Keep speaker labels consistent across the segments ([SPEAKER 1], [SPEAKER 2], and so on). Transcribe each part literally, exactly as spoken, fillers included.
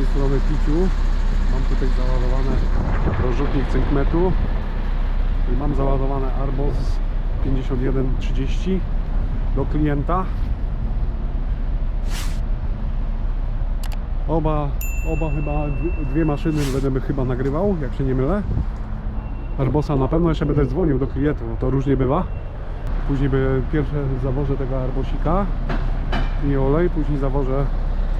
[SPEAKER 1] strony Piciu. Mam tutaj załadowany rozrzutnik cynkmetu i mam załadowany Arbos pięćdziesiąt jeden trzydzieści do klienta. Oba, oba chyba, dwie maszyny będę chyba nagrywał, jak się nie mylę. Arbosa na pewno jeszcze będę dzwonił do klientów, bo to różnie bywa. Później by pierwsze zawożę tego Arbosika i olej, później zawożę e,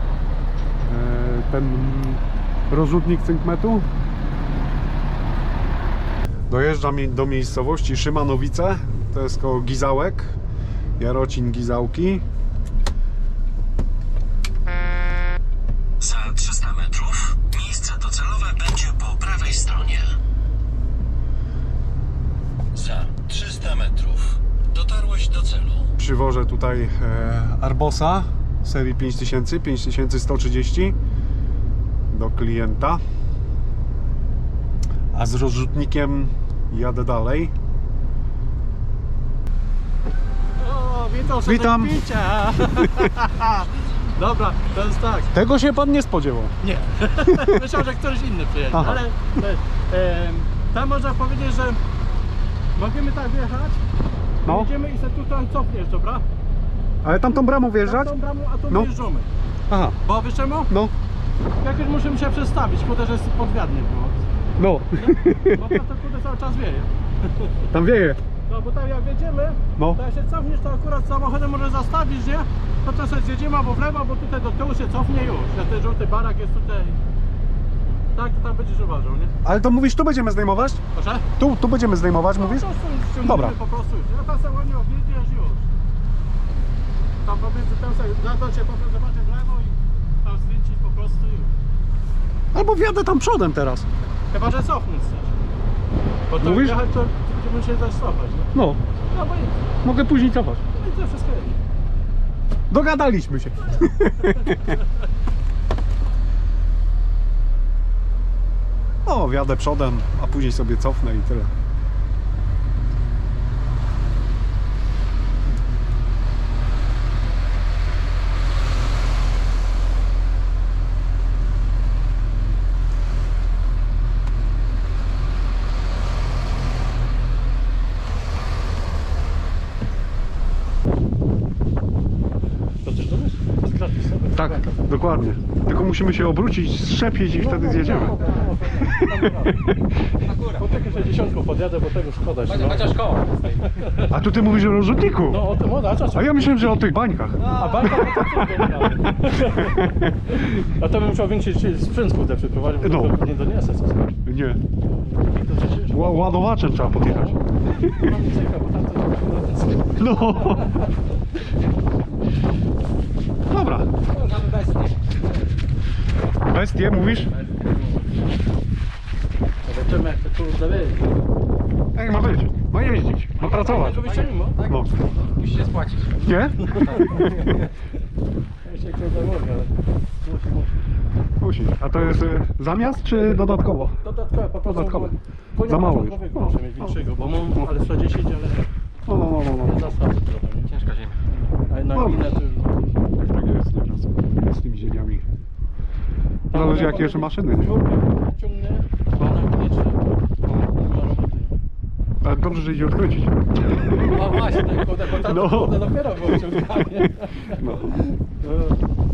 [SPEAKER 1] ten rozrzutnik cynkmetu. Dojeżdżam do miejscowości Szymanowice, to jest koło Gizałek, Jarocin Gizałki.
[SPEAKER 2] Za trzysta metrów miejsce docelowe będzie po prawej stronie. Za trzysta metrów dotarłeś do celu.
[SPEAKER 1] Przywożę tutaj e, Arbosa serii pięć tysięcy, pięć tysięcy sto trzydzieści do klienta, a z rozrzutnikiem jadę dalej.
[SPEAKER 3] O, witam,
[SPEAKER 1] Witam.
[SPEAKER 3] Picia. Dobra, to jest tak.
[SPEAKER 1] Tego się pan nie spodziewał.
[SPEAKER 3] Nie. Myślałem, że ktoś inny przyjedzie,
[SPEAKER 1] Aha.
[SPEAKER 3] ale e, e, tam można powiedzieć, że możemy tak wjechać.
[SPEAKER 1] No.
[SPEAKER 3] Jedziemy i se tutaj cofniesz, dobra?
[SPEAKER 1] Ale tamtą bramą wjeżdżać?
[SPEAKER 3] Tą bramą, a tu
[SPEAKER 1] No.
[SPEAKER 3] wyjeżdżamy.
[SPEAKER 1] Aha,
[SPEAKER 3] Bo wiesz czemu?
[SPEAKER 1] no,
[SPEAKER 3] Jakoś musimy się przestawić, kurde, że jest podwiadnie było.
[SPEAKER 1] no,
[SPEAKER 3] Nie? Bo to, to kurde cały czas wieje.
[SPEAKER 1] tam wieje.
[SPEAKER 3] No bo tam jak jedziemy,
[SPEAKER 1] No.
[SPEAKER 3] to jak się cofniesz, to akurat samochodem może zastawić, nie? No to sobie zjedziemy albo w lewo, albo tutaj do tyłu się cofnie już. Jak ten żółty barak jest tutaj. Tak, to tam będziesz uważał, nie?
[SPEAKER 1] Ale to mówisz, tu będziemy zdejmować?
[SPEAKER 3] Proszę?
[SPEAKER 1] Tu, tu będziemy zdejmować, mówisz?
[SPEAKER 3] No, to ściągniemy
[SPEAKER 1] Dobra.
[SPEAKER 3] po prostu już. Ja tam sobie ładnie objedziesz już. Tam pomiędzy tym sobie zadać się po prostu zobaczyć w lewo i tam skręcić po prostu już.
[SPEAKER 1] Albo wjadę tam przodem teraz.
[SPEAKER 3] Chyba, że cofnąć chcesz. Bo to
[SPEAKER 1] Mówisz?
[SPEAKER 3] jechać to będziemy się zaś cofać, nie?
[SPEAKER 1] No,
[SPEAKER 3] No bo i,
[SPEAKER 1] mogę później cofać.
[SPEAKER 3] no i to wszystko jest.
[SPEAKER 1] Dogadaliśmy się. O, wjadę przodem, a później sobie cofnę i tyle.
[SPEAKER 3] To też do nas? To jest gratis, sobie.
[SPEAKER 1] Tak, dokładnie. Tylko musimy się obrócić, strzepić i wtedy zjedziemy.
[SPEAKER 3] Po taką sześćdziesiątką podjadę, bo tego szkoda się. No.
[SPEAKER 4] Chociaż koło.
[SPEAKER 1] A tu ty mówisz o rozrzutniku?
[SPEAKER 3] No o tym, o, a czas.
[SPEAKER 1] A ja myślałem, że o tych bańkach.
[SPEAKER 3] A banka to to tylko. A to bym musiał większy sprzęt kurde przyprowadzić, bo
[SPEAKER 1] No.
[SPEAKER 3] to nie doniesę co skoro.
[SPEAKER 1] Nie.
[SPEAKER 3] To przecież
[SPEAKER 1] Ła- Ładowaczem trzeba podjechać.
[SPEAKER 3] mam cyka, bo tam to na ten sklep.
[SPEAKER 1] No. Dobra. Bestie mówisz?
[SPEAKER 3] Zobaczymy jak to kurde wyjdzie.
[SPEAKER 1] Jak ma być? Ma jeździć, ma pracować.
[SPEAKER 3] Tego wyjścia mimo?
[SPEAKER 1] No.
[SPEAKER 4] Musi się spłacić.
[SPEAKER 1] Nie?
[SPEAKER 3] Ja się kurde mogę, ale musi, musi.
[SPEAKER 1] Musi. A to jest y, zamiast czy dodatkowo?
[SPEAKER 3] Dodatkowe, po prostu.
[SPEAKER 1] Dodatkowe.
[SPEAKER 3] Konia
[SPEAKER 1] Za mało
[SPEAKER 3] początkowy
[SPEAKER 1] już.
[SPEAKER 3] muszę
[SPEAKER 1] No.
[SPEAKER 3] mieć większego, bo mam ale sto dziesięć, ale
[SPEAKER 1] No, no, no, no.
[SPEAKER 3] nie zastawię trochę, nie?
[SPEAKER 4] Ciężka ziemia.
[SPEAKER 3] A na
[SPEAKER 1] No.
[SPEAKER 3] gminę to już...
[SPEAKER 1] Tak jest nieraz z tymi ziemiami. Zależy jakie jeszcze maszyny, nie?
[SPEAKER 3] Ciągnie, a na gminie czy... Nie ma roboty.
[SPEAKER 1] Ale dobrze, że idzie odkręcić.
[SPEAKER 3] No właśnie, tak, kurde, bo tam
[SPEAKER 1] No.
[SPEAKER 3] no. kurde dopiero było ciąganie.
[SPEAKER 1] No.
[SPEAKER 3] No.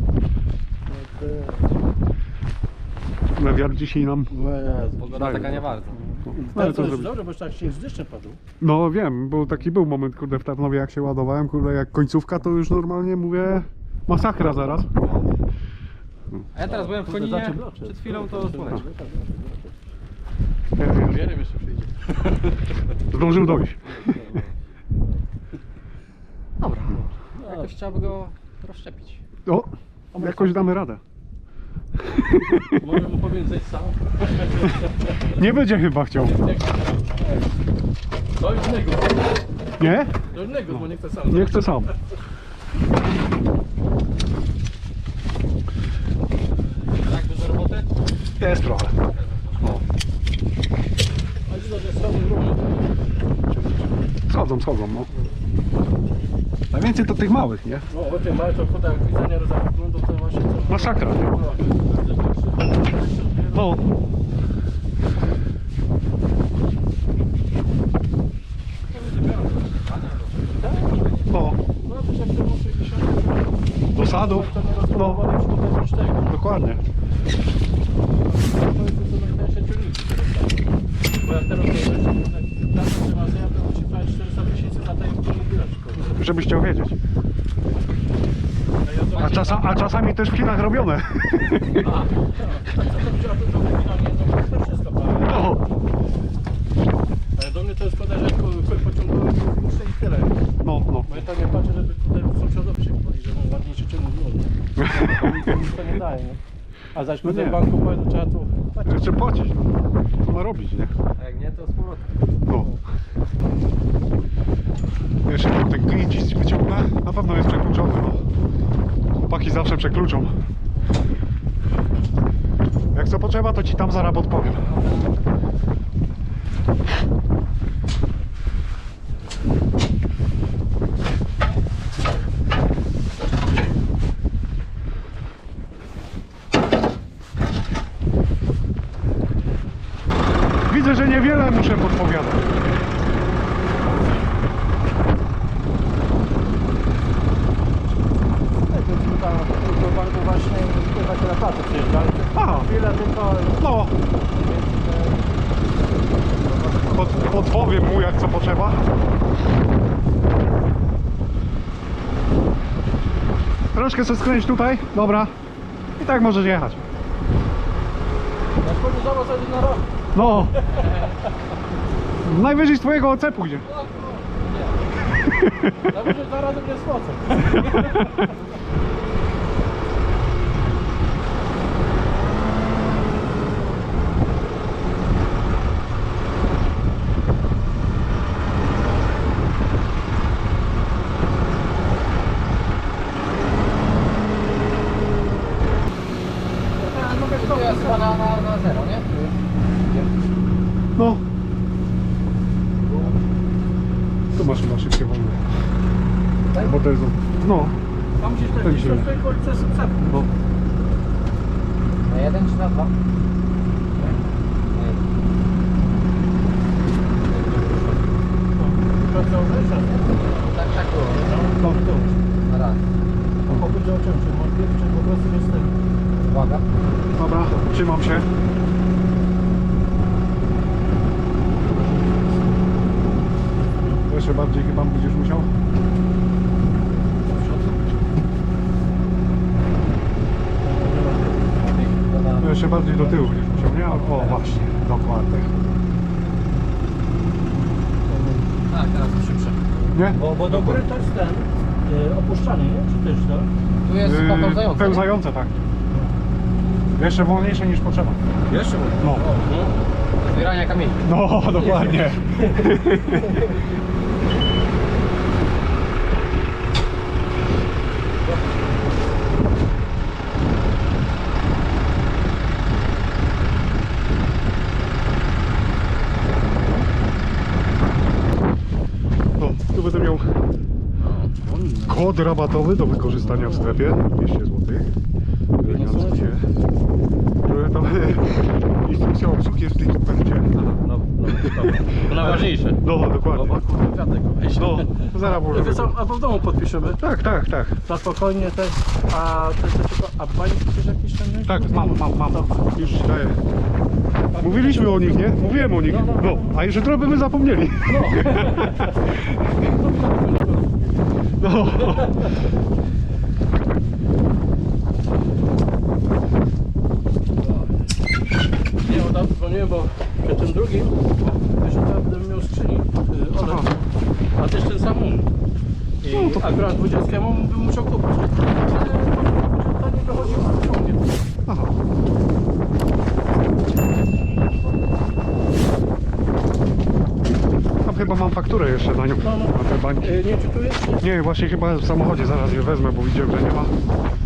[SPEAKER 1] Na wiatr dzisiaj nam...
[SPEAKER 3] No jest.
[SPEAKER 4] Pogoda taka nie warta.
[SPEAKER 1] No,
[SPEAKER 3] Ale
[SPEAKER 1] ale
[SPEAKER 3] to
[SPEAKER 1] co
[SPEAKER 3] jest
[SPEAKER 1] zrobić?
[SPEAKER 3] dobrze, bo już tak śnieg z deszczem padł.
[SPEAKER 1] No wiem, bo taki był moment, kurde, w Tarnowie jak się ładowałem, kurde, jak końcówka, to już normalnie mówię masakra zaraz.
[SPEAKER 4] A ja teraz byłem w Koninie, przed chwilą to słoneczko.
[SPEAKER 3] Wierem jeszcze przyjdzie.
[SPEAKER 1] Zdążył dojść.
[SPEAKER 4] Dobra. Jakoś trzeba by go rozszczepić.
[SPEAKER 1] O, jakoś damy radę.
[SPEAKER 3] Może mu powiem zejść sam.
[SPEAKER 1] Nie będzie chyba chciał.
[SPEAKER 3] To już innego.
[SPEAKER 1] Nie?
[SPEAKER 3] To już innego, bo nie chce sam.
[SPEAKER 1] Nie chcę sam.
[SPEAKER 4] Tak, dużo roboty?
[SPEAKER 1] Jest trochę. O.
[SPEAKER 3] A widzę, że schody równo.
[SPEAKER 1] Schodzą, schodzą, no. Najwięcej to tych małych, nie?
[SPEAKER 3] No, o tym małe to kurde, jak widzenia rozglądu, to właśnie co...
[SPEAKER 1] Masakra, nie? No. No.
[SPEAKER 3] No to jak to muszę sześćdziesiąt.
[SPEAKER 1] Do sadów.
[SPEAKER 3] To nie
[SPEAKER 1] No.
[SPEAKER 3] rozpakowali szkoda niż tego.
[SPEAKER 1] Dokładnie.
[SPEAKER 3] To jest to najtańsze ciągniki teraz. Bo jak teraz to jest tak, że ma zjazd, to musi płacić czterysta tysięcy za tej biletki.
[SPEAKER 1] Żebyś chciał wiedzieć. A, czasa, a czasami też w Chinach robione.
[SPEAKER 3] A, co to będzie, a to to finalnie, no to wszystko, prawda?
[SPEAKER 1] No.
[SPEAKER 3] Ale do mnie to jest szkoda, że pociągnąłem muszę i tyle.
[SPEAKER 1] No, no.
[SPEAKER 3] Bo ja to nie patrzę, żeby tutaj sąsiadowi się chwali, że mam ładniejszy czynnik było. To nic to nie daje, nie? A zaś
[SPEAKER 1] No
[SPEAKER 3] no
[SPEAKER 1] nie.
[SPEAKER 3] w banku powie, to trzeba tu płacić.
[SPEAKER 1] Jeszcze płacić. Co ma robić, nie?
[SPEAKER 4] A jak nie, to z powrotem.
[SPEAKER 1] No. Jeszcze tam ten klincz wyciągnę. Na pewno jest przekluczony, no. Chłopaki zawsze przekluczą. Jak co potrzeba, to ci tam zaraz podpowiem. Widzę, że niewiele muszę podpowiadać.
[SPEAKER 3] Tam do banku właśnie takie na placu przyjeżdżali.
[SPEAKER 1] Aha,
[SPEAKER 3] Chwilę tylko...
[SPEAKER 1] no. Pod, podpowiem mu, jak co potrzeba. Troszkę sobie skręć tutaj, dobra. I tak możesz jechać.
[SPEAKER 3] Ja wchodzę za was na rok.
[SPEAKER 1] No. Najwyżej z twojego O C pójdzie.
[SPEAKER 3] Najwyżej dwa razy mnie spłacę.
[SPEAKER 4] To jest chyba na, na, na zero, nie?
[SPEAKER 1] No. Tu masz chyba szybkie wolne. Bo to jest... No.
[SPEAKER 3] Tam gdzieś tak
[SPEAKER 1] Tak
[SPEAKER 3] gdzieś
[SPEAKER 1] się-
[SPEAKER 3] to stoi przez przed.
[SPEAKER 1] No.
[SPEAKER 4] Na jeden czy na dwa? Tak, tak było.
[SPEAKER 1] No.
[SPEAKER 4] Na raz.
[SPEAKER 3] Pochodzi o czym? Czy modliw, czy po prostu jest tego?
[SPEAKER 4] Uwaga.
[SPEAKER 1] Dobra, trzymam się. Jeszcze bardziej chyba będziesz musiał. No jeszcze bardziej do tyłu będziesz musiał, nie? O właśnie, dokładnie.
[SPEAKER 4] Tak, teraz to szybsze.
[SPEAKER 1] Nie?
[SPEAKER 3] Bo, bo do góry to jest ten y, opuszczany, nie? Czy też to?
[SPEAKER 4] Tu jest
[SPEAKER 1] Yy,
[SPEAKER 4] pełzające.
[SPEAKER 1] pełzające, tak. Jeszcze wolniejsze niż potrzeba.
[SPEAKER 4] Jeszcze?
[SPEAKER 1] No.
[SPEAKER 4] Zbierania kamieni.
[SPEAKER 1] No, dokładnie. No, tu będę miał kod rabatowy do wykorzystania w strefie dwieście złotych. Elegancko się. Trochę tam instrukcja obsługi jest w tej kopercie.
[SPEAKER 3] No, no, to najważniejsze.
[SPEAKER 1] No, dokładnie.
[SPEAKER 3] O kurde, kwiatek weź.
[SPEAKER 1] No, zaraz
[SPEAKER 3] To
[SPEAKER 1] możemy.
[SPEAKER 3] co, albo w domu podpiszemy.
[SPEAKER 1] Tak, tak, tak.
[SPEAKER 3] Na spokojnie też. A to jest tylko, a bańki też jakieś tam nie?
[SPEAKER 1] Tak, mam, mam, mam. Już ci daję. Mówiliśmy o nich, nie? Mówiłem o nich. No, a jeszcze trochę by zapomnieli. No.
[SPEAKER 3] Nie, bo tam dzwoniłem, bo przy tym drugim, jeszcze tam bym miał skrzyni, y, olej,
[SPEAKER 1] Aha.
[SPEAKER 3] a też ten sam un. I
[SPEAKER 1] No to-
[SPEAKER 3] akurat dwudziestemu bym musiał kupić. Ale to nie dochodziło do ciągnie.
[SPEAKER 1] Aha. Tam chyba mam fakturę jeszcze na nią.
[SPEAKER 3] No, no.
[SPEAKER 1] Na te bańki.
[SPEAKER 3] Y, nie, czy tu jest?
[SPEAKER 1] Nie, właśnie chyba w samochodzie zaraz je wezmę, bo widziałem, że nie ma.